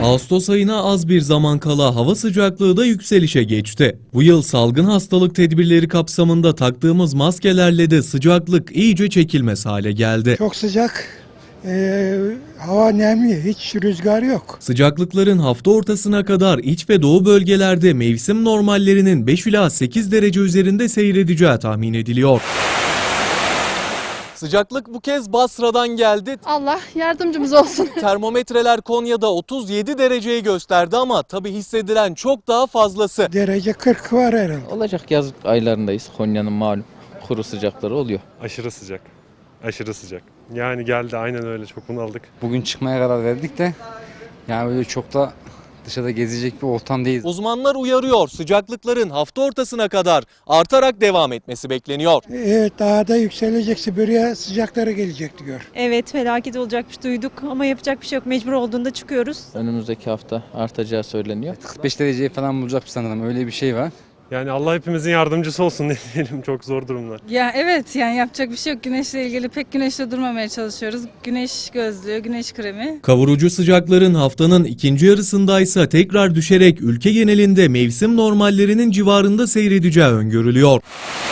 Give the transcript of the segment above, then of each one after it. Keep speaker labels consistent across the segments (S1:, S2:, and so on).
S1: Ağustos ayına az bir zaman kala hava sıcaklığı da yükselişe geçti. Bu yıl salgın hastalık tedbirleri kapsamında taktığımız maskelerle de sıcaklık iyice çekilmez hale geldi.
S2: Çok sıcak, hava nemli, hiç rüzgar yok.
S1: Sıcaklıkların hafta ortasına kadar iç ve doğu bölgelerde mevsim normallerinin 5 ila 8 derece üzerinde seyredeceği tahmin ediliyor. Sıcaklık bu kez Basra'dan geldi.
S3: Allah yardımcımız olsun.
S1: Termometreler Konya'da 37 dereceyi gösterdi ama tabii hissedilen çok daha fazlası.
S2: Derece 40 var herhalde.
S4: Olacak, yaz aylarındayız. Konya'nın malum kuru sıcakları oluyor.
S5: Aşırı sıcak. Aşırı sıcak. Yani geldi, aynen öyle, çok bunaldık.
S6: Bugün çıkmaya karar verdik de yani böyle çok da dışarıda gezecek bir ortam değil.
S1: Uzmanlar uyarıyor, sıcaklıkların hafta ortasına kadar artarak devam etmesi bekleniyor.
S2: Evet, daha da yükselecek, Sibirya sıcakları gelecek diyor.
S7: Evet, felaket olacakmış duyduk ama yapacak bir şey yok. Mecbur olduğunda çıkıyoruz.
S4: Önümüzdeki hafta artacağı söyleniyor.
S6: 45 dereceyi falan bulacak sanırım, öyle bir şey var.
S5: Yani Allah hepimizin yardımcısı olsun ne diyelim, çok zor durumlar.
S8: Ya evet, yani yapacak bir şey yok. Güneşle ilgili pek güneşte durmamaya çalışıyoruz. Güneş gözlüğü, güneş kremi.
S1: Kavurucu sıcakların haftanın ikinci yarısındaysa tekrar düşerek ülke genelinde mevsim normallerinin civarında seyredeceği öngörülüyor.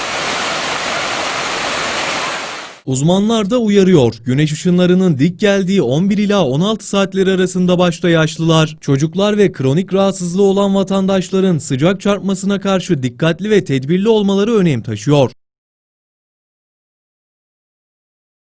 S1: Uzmanlar da uyarıyor. Güneş ışınlarının dik geldiği 11 ila 16 saatleri arasında başta yaşlılar, çocuklar ve kronik rahatsızlığı olan vatandaşların sıcak çarpmasına karşı dikkatli ve tedbirli olmaları önem taşıyor.